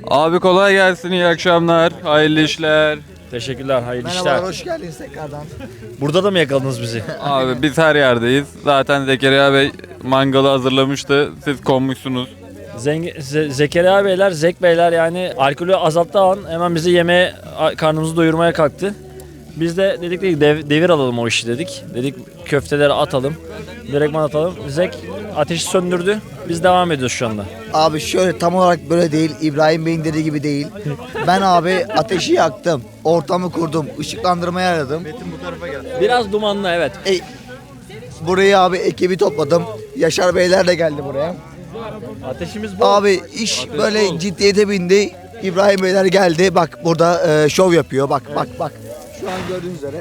Abi kolay gelsin, iyi akşamlar, hayırlı işler. Teşekkürler, hayırlı Merhabalar, işler. hoş geldiniz tekrardan. Burada da mı yakaladınız bizi? Abi biz her yerdeyiz. Zaten Zekeriya Bey mangalı hazırlamıştı, siz konmuşsunuz. Zekeriya Beyler, Zek Beyler yani alkolü azalttığı an hemen bizi yemeğe, karnımızı doyurmaya kalktı. Biz de dedik ki devir alalım o işi dedik. Dedik köfteleri atalım, direktman atalım. Zek ateşi söndürdü, biz devam ediyoruz şu anda. Abi şöyle tam olarak böyle değil, İbrahim Bey'in dediği gibi değil. Ben abi ateşi yaktım, ortamı kurdum, ışıklandırmayı aradım. Biraz dumanlı evet. Burayı abi ekibi topladım. Yaşar Beyler de geldi buraya. Ateşimiz bu. Abi iş böyle ciddiyete bindi. İbrahim Beyler geldi. Bak burada şov yapıyor. Bak bak bak. Şu an gördüğünüz üzere.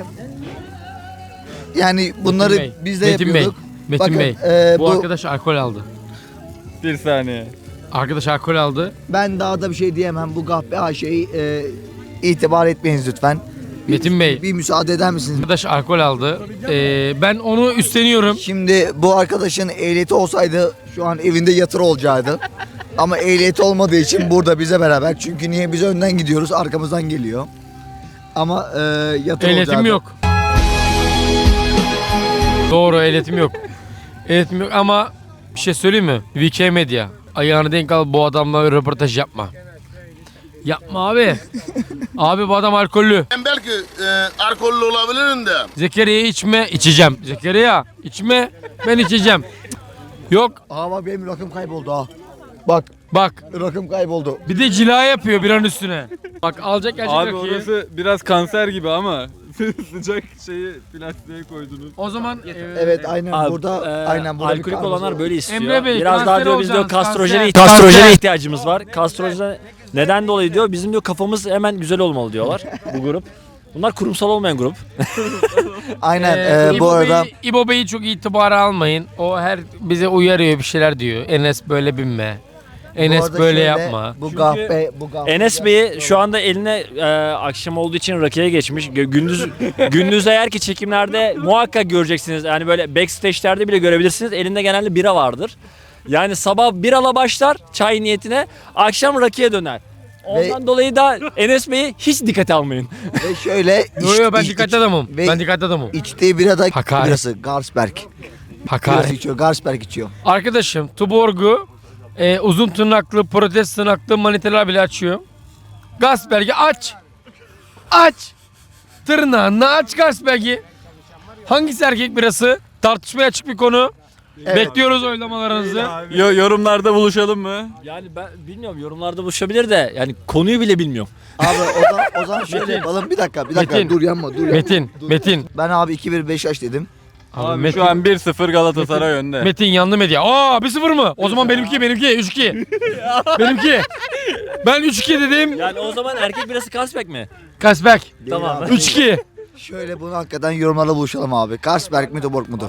Yani bunları Metin Bey, biz de Metin Bey, yapıyorduk. Metin Bakın, Bey. Bu bu arkadaş alkol aldı. Bir saniye. Arkadaş alkol aldı. ben daha da bir şey diyemem. Bu Gahpe Ayşe'yi itibar etmeyiniz lütfen. Metin Bey. Bir müsaade eder misiniz? Arkadaş alkol aldı. Ben onu üstleniyorum. Şimdi bu arkadaşın ehliyeti olsaydı şu an evinde yatır olacaktı. Ama ehliyeti olmadığı için burada bize beraber. Çünkü niye biz önden gidiyoruz, arkamızdan geliyor. Ama yatır Ehliyetim olacaktı. yok. Doğru, ehliyetim yok. Ehliyetim yok ama bir şey söyleyeyim mi? VK Medya. Ayağını denk al, bu adamla röportaj yapma. Yapma abi. Abi bu adam alkollü. Ben belki alkollü olabilirim de. Zekeriya içme, içeceğim. Zekeriya içme, ben içeceğim. Yok, Aa bak benim rakım kayboldu ha. Bak bak. rakım kayboldu. Bir de cila yapıyor bir an üstüne. Bak alacak gelecek Abi rakıyı. orası biraz kanser gibi ama sıcak şeyi plastiğe koydunuz. O zaman Evet aynen Abi, burada aynen burada bir alkolik karnımız olanlar var. böyle istiyor. Emre Bey, Biraz daha kanser diyor biz diyor olacaksınız, kastrojene kanser. ihtiyacımız var. Kastrojene neden dolayı diyor bizim diyor kafamız hemen güzel olmalı diyorlar bu grup. Bunlar kurumsal olmayan grup. Aynen bu İbo arada İbo Bey'i çok itibara almayın. O her bize uyarıyor, bir şeyler diyor. Enes böyle binme. bu Enes arada böyle şöyle, yapma. Bu Gahpe bu Gahpe. Enes Bey'i şu anda eline akşam olduğu için rakıya geçmiş. Gündüz eğer ki çekimlerde muhakkak göreceksiniz. Yani böyle backstage'lerde bile görebilirsiniz. Elinde genelde bira vardır. Yani sabah birala başlar çay niyetine, akşam rakıya döner. Ondan dolayı da Enes Bey'i hiç dikkate almayın. Ve şöyle Yo ben dikkatli adamım. ve Ben dikkatli adamım. içtiği bira da Hakaret. birası Garsberg. Birası Hakaret. içiyor, Garsberg içiyor. Arkadaşım Tuborg'u uzun tırnaklı, protest tırnaklı maniteler bile açıyor. Gasberg'i aç. Aç. Tırnağını aç Gasberg'i. Hangisi erkek birası? Tartışmaya açık bir konu. Evet. Bekliyoruz oylamalarınızı. Yorumlarda buluşalım mı? Yani ben bilmiyorum, yorumlarda buluşabilir de yani konuyu bile bilmiyorum. Abi o zaman şöyle yapalım. Bir dakika Metin. dur yanma dur. Metin. Ben abi 2-1 Beşiktaş dedim. Abi Metin, şu an 1-0 Galatasaray önde. Metin yandı medya. Aa 1-0 mı? O zaman benimki 3-2. Benimki. Ben 3-2 dedim. Yani o zaman erkek birası Kasbek mi? Gasberg. Tamam. Abi. 3-2. Şöyle bunu hakikaten yorumlarda buluşalım abi. Garsberg mi Tuborg mudur?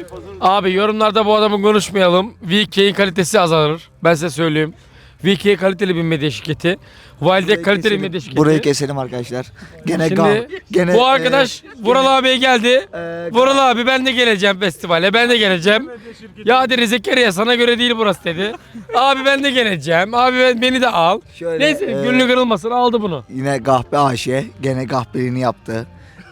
Abi yorumlarda bu adamı konuşmayalım. VK'in kalitesi azalır. Ben size söyleyeyim. VK kaliteli bir medya şirketi. Wildek kaliteli bir medya şirketi. Burayı keselim arkadaşlar. Gene Şimdi gene bu arkadaş Vural abiye geldi. Vural abi ben de geleceğim festivale. Ben de geleceğim. Ya dedi Zekeriya sana göre değil burası dedi. Abi ben de geleceğim. Abi beni de al. şöyle, Neyse gönlü kırılmasın aldı bunu. yine Gahpe Ayşe gene Gahpeliğini yaptı.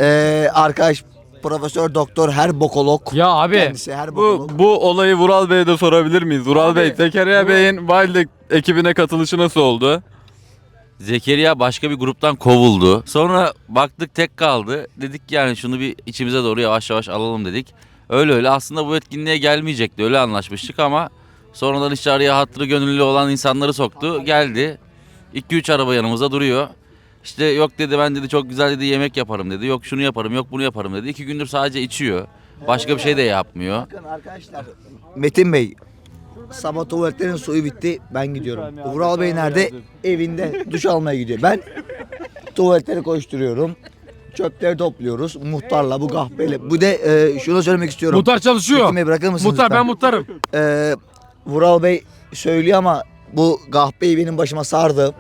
Arkadaş Profesör Doktor her bokolog. Ya abi Kendisi her bokolog. Bu olayı Vural Bey'e de sorabilir miyiz? Vural Bey, Zekeriya Bey'in Wild ekibine katılışı nasıl oldu? Zekeriya başka bir gruptan kovuldu. Sonra baktık tek kaldı. Dedik ki yani şunu bir içimize doğru yavaş yavaş alalım dedik. Öyle aslında bu etkinliğe gelmeyecekti. Öyle anlaşmıştık ama sonradan işte araya hatırı gönüllü olan insanları soktu. Geldi. 2-3 araba yanımızda duruyor. İşte yok dedi ben dedi çok güzel dedi yemek yaparım dedi. Yok şunu yaparım yok bunu yaparım dedi. 2 gündür sadece içiyor. Başka bir şey de yapmıyor. Bakın arkadaşlar. Metin Bey. Sabah tuvaletlerin suyu bitti. Ben gidiyorum. Vural Bey nerede? Evinde duş almaya gidiyor. Ben tuvaletleri koşturuyorum. Çöpleri topluyoruz. Muhtarla bu kahpeyle. Bu de şunu söylemek istiyorum. muhtar çalışıyor. Metin Bey bırakır mısınız Muhtar ben lütfen? muhtarım. Vural Bey söylüyor ama bu Gahpe'yi benim başıma sardı.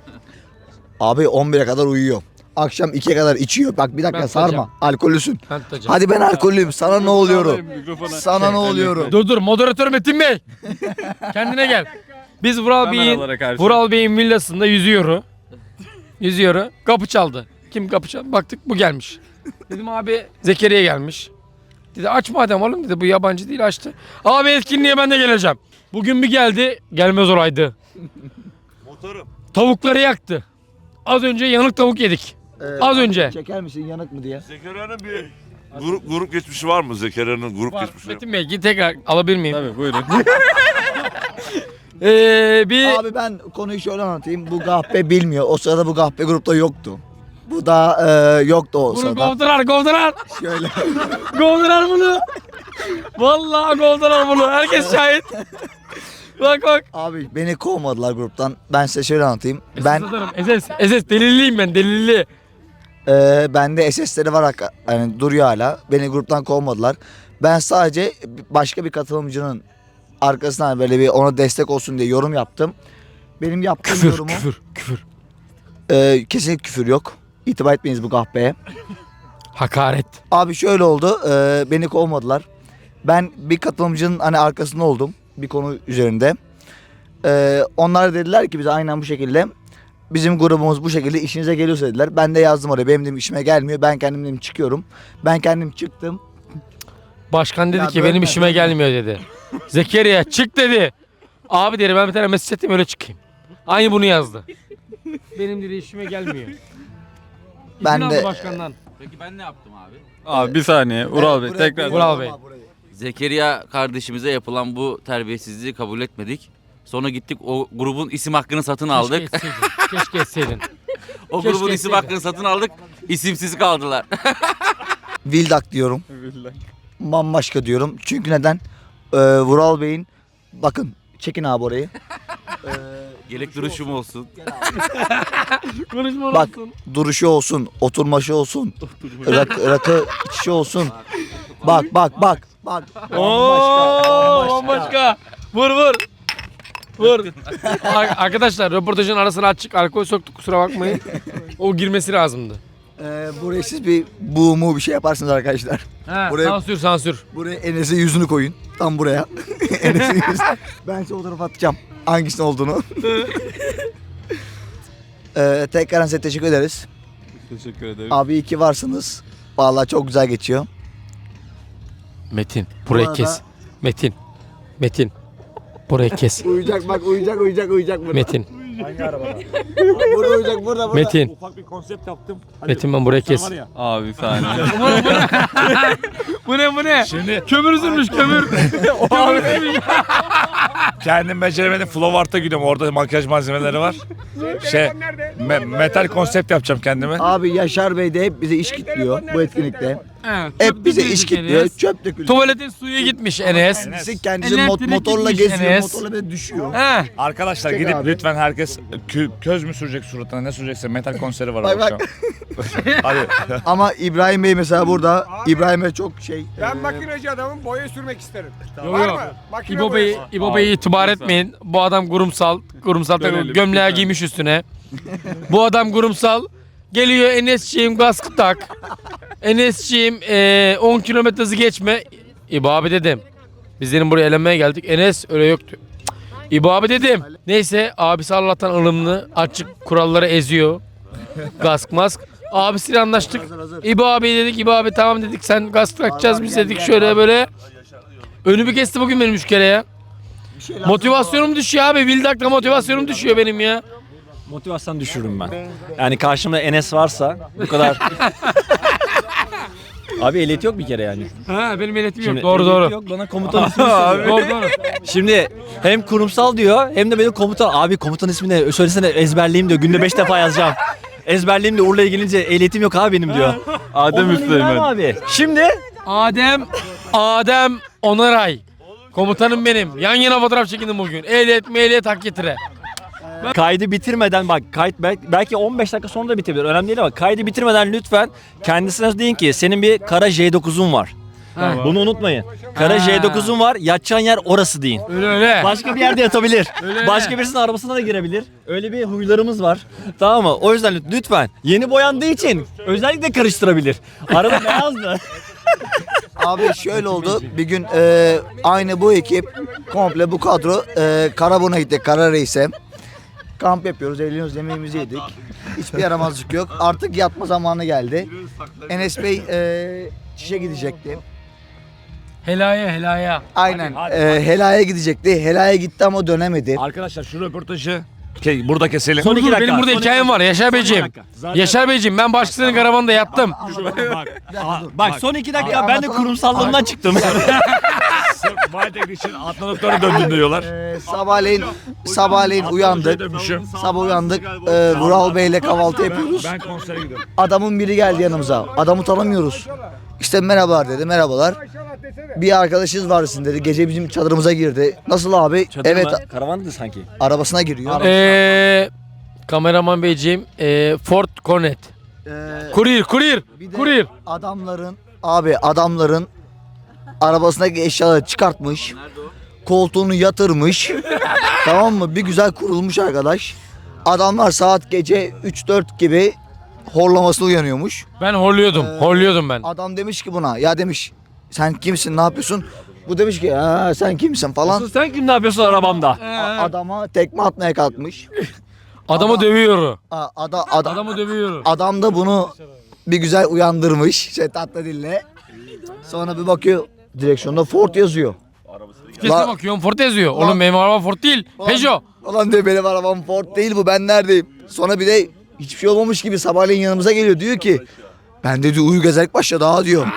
Abi 11'e kadar uyuyor. Akşam 2'ye kadar içiyor. Bak bir dakika Ben sarma. tutacağım. Alkollüsün. Ben tutacağım. Hadi ben alkollüyüm. Sana ne oluyorum? Sana ne oluyorum? Dur moderatör Metin Bey. Kendine gel. Biz Kameralara karşı. Vural Bey'in villasında yüzüyor. Yüzüyor. Kapı çaldı. Kim kapı çaldı? Baktık bu gelmiş. Dedim abi Zekeriya gelmiş. Dedi aç madem oğlum dedi, bu yabancı değil, açtı. Abi etkinliğe ben de geleceğim. Bugün bir geldi, gelmez olaydı. Motorum. Tavukları yaktı. Az önce yanık tavuk yedik. Az önce. Çeker misin yanık mı diye? Zekeriya'nın bir grup geçmişi var mı? Zekeriya'nın grup geçmişi. Metin Bey git tekrar alabilir miyim? Tabii buyurun. Bir Abi ben konuyu şöyle anlatayım. Bu Gahpe bilmiyor. O sırada bu Gahpe grupta yoktu. Bu da yoktu o bunu sırada. kovdular. Şöyle. Kovdular bunu. Vallahi kovdular bunu. Herkes şahit. Bak. Abi beni kovmadılar gruptan. Ben size şöyle anlatayım. Ben SS delilliyim ben, delilli. bende SS'leri var, yani duruyor hala. Beni gruptan kovmadılar. Ben sadece başka bir katılımcının arkasından böyle bir ona destek olsun diye yorum yaptım. Benim yaptığım yorumu Küfür. kesinlikle küfür yok. İtibar etmeyiniz bu Gahpe'ye. Hakaret. Abi şöyle oldu. Beni kovmadılar. Ben bir katılımcının hani arkasında oldum bir konu üzerinde. Onlar dediler ki bize aynen bu şekilde. Bizim grubumuz bu şekilde, işinize geliyorsa dediler. Ben de yazdım oraya. Benim dedim işime gelmiyor. Ben kendim dedim çıkıyorum. Ben kendim çıktım. Başkan dedi Ya ki böyle benim işime gelmiyor dedi. Zekeriya çık dedi. Abi dedi ben bir tane mesaj atayım öyle çıkayım. Aynı bunu yazdı. Benim dedi işime gelmiyor. Ben İzin de- aldı başkandan. Peki ben ne yaptım abi? Abi bir saniye. Ural Bey tekrar. Vural Bey. Zekeriya kardeşimize yapılan bu terbiyesizliği kabul etmedik. Sonra gittik o grubun isim hakkını satın aldık. Keşke etseydin. O keşke grubun isim etseydin. hakkını satın aldık. İsimsiz kaldılar. Vildak diyorum. Bambaşka diyorum. Çünkü neden? Vural Bey'in bakın çekin abi orayı. Gelek duruşum olsun. Konuşma Bak olsun. duruşu olsun, oturmaşı olsun, rakı içişi olsun. Bak. Bambaşka. Vur. Arkadaşlar röportajın arasına açık alkol soktuk, kusura bakmayın. O girmesi lazımdı. Buraya siz bir buğumu bir şey yaparsınız arkadaşlar. Buraya- Sansür. Buraya Enes'e yüzünü koyun. Tam buraya. Enes'in yüzünü. Ben size o tarafa atacağım. Hangisinin olduğunu. Tekrar size teşekkür ederiz. Teşekkür ederim. Abi iyi ki varsınız. Vallahi çok güzel geçiyor. Metin burayı arada- kes. Metin. Burayı kes. Uyuyacak bak uyuyacak burada. Metin. Burada uyuyacak burada. Metin. Ufak bir konsept yaptım. Metin ben burayı kes. Abi bir saniye. Bu ne? Şimdi Kömür sürmüş kömür. kendim beceremedim. Flow Art'a gidiyorum. Orada makyaj malzemeleri var. Metal konsept yapacağım kendime. Abi Yaşar Bey de hep bize iş kitliyor bu etkinlikte. Hep bize iş kitliyor. Çöp dökülüyor. Tuvaletin suyu gitmiş Enes. Kendisi Elektrik motorla gitmiş geziyor. Enes. Motorla böyle düşüyor. He. Arkadaşlar Çek gidip abi. lütfen herkes köz mü sürecek suratına, ne sürecekse metal konseri var Bak, akşam. Hadi. Ama İbrahim Bey mesela burada. İbrahim Bey çok şey. Ben makineci adamım, boya sürmek isterim. Yok Var yok. mı? Makine İbo Bey'i itibar etmeyin. Bu adam kurumsal Görelim. gömleği giymiş üstüne. Bu adam kurumsal. Geliyor Enes'ciğim kaskı tak. Enes'ciğim 10 kilometre hızı geçme. İbo abi dedim. Biz senin buraya eğlenmeye geldik. Enes öyle yoktu. İbo abi dedim. Neyse abisi Allah'tan ılımlı. Açık kuralları eziyor. Kask mask. Abisiyle anlaştık. İbo abi dedik. İbo abi tamam dedik. Sen kask takacağız biz dedik. Şöyle böyle. Önümü kesti bugün benim 3 kere ya. Motivasyonum düşüyor abi. Vildak'la motivasyonum düşüyor benim ya. Motivasyon düşürürüm ben. Yani karşımda Enes varsa bu kadar... Abi ehliyet yok bir kere yani. Ha benim ehliyetim yok. Şimdi Doğru ehliyet doğru. Yok bana komutan ismini söylüyor. Doğru. Şimdi hem kurumsal diyor hem de benim komutan. Abi komutan ismini söylesene ezberleyeyim diyor. Günde 5 defa yazacağım. Ezberleyeyim de Urla'ya gelince ehliyetim yok abi benim diyor. Adem Ondan İbrahim Üsteğmen. abi. Şimdi Adem Onaray. Komutanım benim. Yan yana fotoğraf çekindim bugün. Ehliyet hak getire. kaydı bitirmeden bak kayıt belki 15 dakika sonra da bitebilir. Önemli değil ama kaydı bitirmeden lütfen kendisine deyin ki senin bir kara J9'un var. Bunu unutmayın. Kara J9'un var. Yatacağın yer orası deyin. Öyle. Başka bir yerde yatabilir. Öyle. Başka birisinin arabasına da girebilir. Öyle bir huylarımız var. Tamam mı? O yüzden lütfen yeni boyandığı için özellikle karıştırabilir. Araba beyazdı. Abi şöyle oldu. Bir gün aynı bu ekip komple bu kadro Karaburun'a gittik. Karareis'e. Kamp yapıyoruz, eğleniyoruz, yemeğimizi yedik. Hiçbir yaramazlık yok. Artık yatma zamanı geldi. Enes Bey çişe gidecekti. Helaya. Aynen. Helaya gidecekti. Helaya gitti ama dönemedi. Arkadaşlar şu röportajı burada keselim. Son iki dakika. Benim burada son iki hikayem var Yaşar Beyciğim. Zaten- Yaşar Beyciğim ben başkasının karavanında yattım. Bak son 2 dakika Abi, ben de anlatalım. kurumsallığımdan çıktım. Sırf Wildek için atlanıkları döndün diyorlar. Sabahleyin uyandık. Dönmüşüm. Sabah uyandık. Vural Bey'le kahvaltı yapıyoruz. Ben konsere gidiyorum. Adamın biri geldi yanımıza. Adamı tanımıyoruz. İşte merhabalar dedi. Merhabalar. Bir arkadaşınız var sizin dedi. Gece bizim çadırımıza girdi. Nasıl abi? Evet. Karavandı sanki. Arabasına giriyor. Kameraman Beyciğim Ford Cornet. Courier. Bir de adamların arabasındaki eşyaları çıkartmış. Koltuğunu yatırmış. Tamam mı? Bir güzel kurulmuş arkadaş. Adamlar saat gece 3-4 gibi horlamasına uyanıyormuş. Ben horluyordum ben. Adam demiş ki buna ya demiş sen kimsin ne yapıyorsun? Bu demiş ki sen kimsin falan. Asıl sen kim ne yapıyorsun arabamda? Adama tekme atmaya kalkmış. Adamı dövüyor. Adamı dövüyor. Adam da bunu bir güzel uyandırmış tatlı dille. Sonra bir bakıyor direksiyonda Ford yazıyor. Vitese bakıyorum Ford yazıyor. Oğlum benim arabam Ford değil. Peugeot. Ulan diyor benim arabam Ford değil bu ben neredeyim? Sonra bir de hiçbir şey olmamış gibi sabahleyin yanımıza geliyor diyor ki ben de diyor uyur gezerek başladı ha diyor.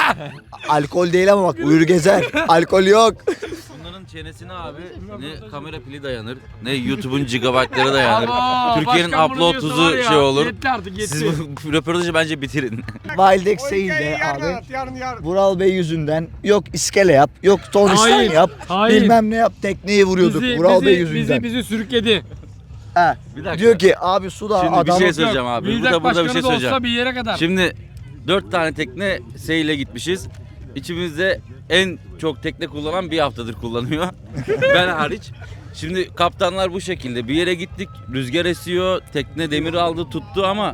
Alkol değil ama bak uyur gezer. Alkol yok. Bunların çenesine abi ne kamera pili dayanır ne YouTube'un gigabaytları dayanır. Abo, Türkiye'nin başkan bunu upload diyorsa var hızı ya, şey olur. Yetti artık yetti. Siz bu röportajı bence bitirin. Wildex Seyil'de abi. Vural Bey yüzünden yok iskele yap, yok tonistan Hayır, yap, hayır. bilmem ne yap tekneyi vuruyorduk Vural Bey yüzünden. Bizi sürükledi. He. Bir dakika. Diyor ki abi su da Şimdi adam bir şey söyleyeceğim abi. Bildak Burada bir başkanı şey da olsa söyleyeceğim. bir yere kadar. Şimdi 4 tane tekne seyle gitmişiz. İçimizde en çok tekne kullanan bir haftadır kullanıyor. Ben hariç. Şimdi kaptanlar bu şekilde. Bir yere gittik, rüzgar esiyor, tekne demir aldı, tuttu ama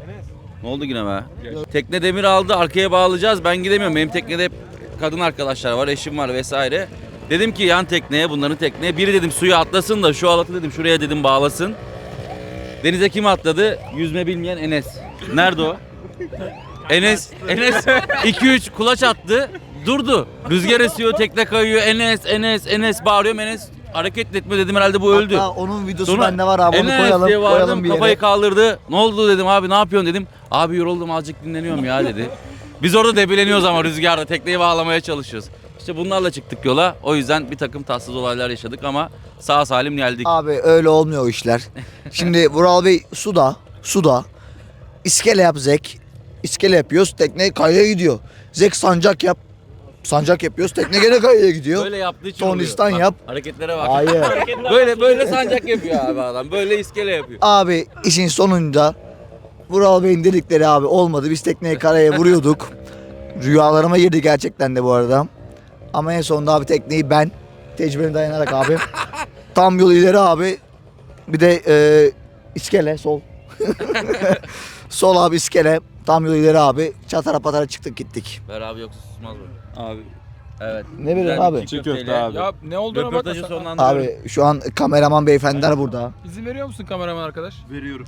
ne oldu yine be? Tekne demir aldı, arkaya bağlayacağız. Ben gidemiyorum. Benim teknede hep kadın arkadaşlar var, eşim var vesaire. Dedim ki yan tekneye, bunların tekneye. Biri dedim suya atlasın da şu halatı dedim şuraya dedim bağlasın. Denize kim atladı? Yüzme bilmeyen Enes. Nerede o? Enes 2-3 kulaç attı. Durdu. Rüzgar esiyor, tekne kayıyor. Enes bağırıyorum. Enes hareket etmiyor dedim herhalde bu öldü. Hatta onun videosu Sonra bende var abi onu Enes koyalım, diye bağırdım, koyalım bir kafayı yere. kaldırdı. Ne oldu dedim abi ne yapıyorsun dedim. Abi yoruldum azıcık dinleniyorum ya dedi. Biz orada debeleniyoruz ama rüzgarda tekneyi bağlamaya çalışıyoruz. İşte bunlarla çıktık yola. O yüzden bir takım tatsız olaylar yaşadık ama sağ salim geldik. Abi öyle olmuyor o işler. Şimdi Vural Bey suda iskele yap Zek. İskele yapıyoruz tekne kayaya gidiyor. Zek sancak yap. Sancak yapıyoruz tekne gene kayaya gidiyor. Böyle yaptığı için Tonistan oluyor. Bak, yap. hareketlere bak. Hayır. Böyle sancak yapıyor abi adam. Böyle iskele yapıyor. Abi işin sonunda Vural Bey'in dedikleri abi olmadı. Biz tekneyi karaya vuruyorduk. Rüyalarıma girdi gerçekten de bu arada. Ama en sonunda abi tekneyi ben tecrübeme dayanarak abi tam yol ileri abi bir de iskele sol. Sol abi iskele tam yol ileri abi çatara patara çıktık gittik. Ver abi yoksa susmaz bu. Abi Ne Evet. bileyim Güzel abi? bir çiğ köfte köfteyle abi. Ya ne olduğunu Röportajı bakma. sonlandırıyorum. Abi şu an kameraman beyefendiler burada. İzin veriyor musun kameraman arkadaş? Veriyorum.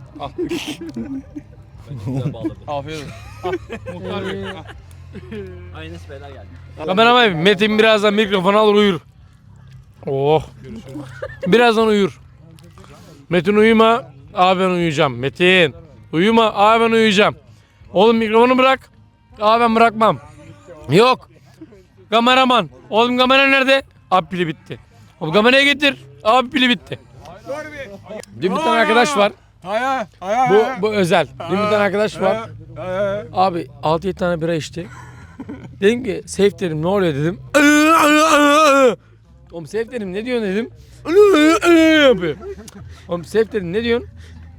Afiyet olsun. Muhtar Bey. Aynı beyler geldi. Kameraman Metin birazdan mikrofonu alır uyur. Oh. Birazdan uyur. Metin uyuma. Abi ben uyuyacağım. Metin. Uyuma. Abi ben uyuyacağım. Oğlum mikrofonu bırak. Abi ben bırakmam. Yok. Kameraman. Oğlum kamera nerede? Abi pili bitti. Oğlum kamerayı getir. Abi pili bitti. Dün bir tane arkadaş var. Bu özel. Dün bir tane arkadaş var. Abi 6-7 tane bira içti. Dedim ki Seyf dedim ne oluyor dedim. Oğlum Seyf dedim ne diyorsun dedim. Yapıyor. Oğlum Seyf dedim ne diyorsun?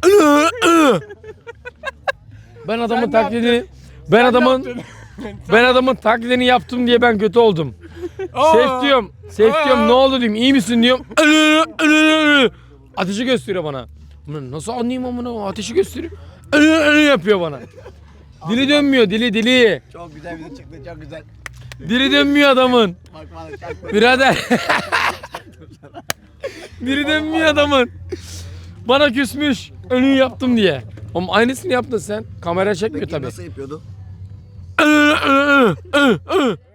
Ben adamın taklidini ben adamın taklidini yaptım diye ben kötü oldum. Seyf diyorum ne oldu diyeyim iyi misin diyorum. Ateşi gösteriyor bana. Ulan nasıl anlayayım amına ateşi gösteriyor. Yapıyor bana. Dili dönmüyor dili. Çok güzel video çıktı çok güzel. Diri dönmüyor adamın. Birader. Diri dönmüyor adamın. Bana küsmüş. Önünü yaptım diye. Oğlum aynısını yaptın sen. Kamera çekmiyor Peki tabii. nasıl yapıyordu?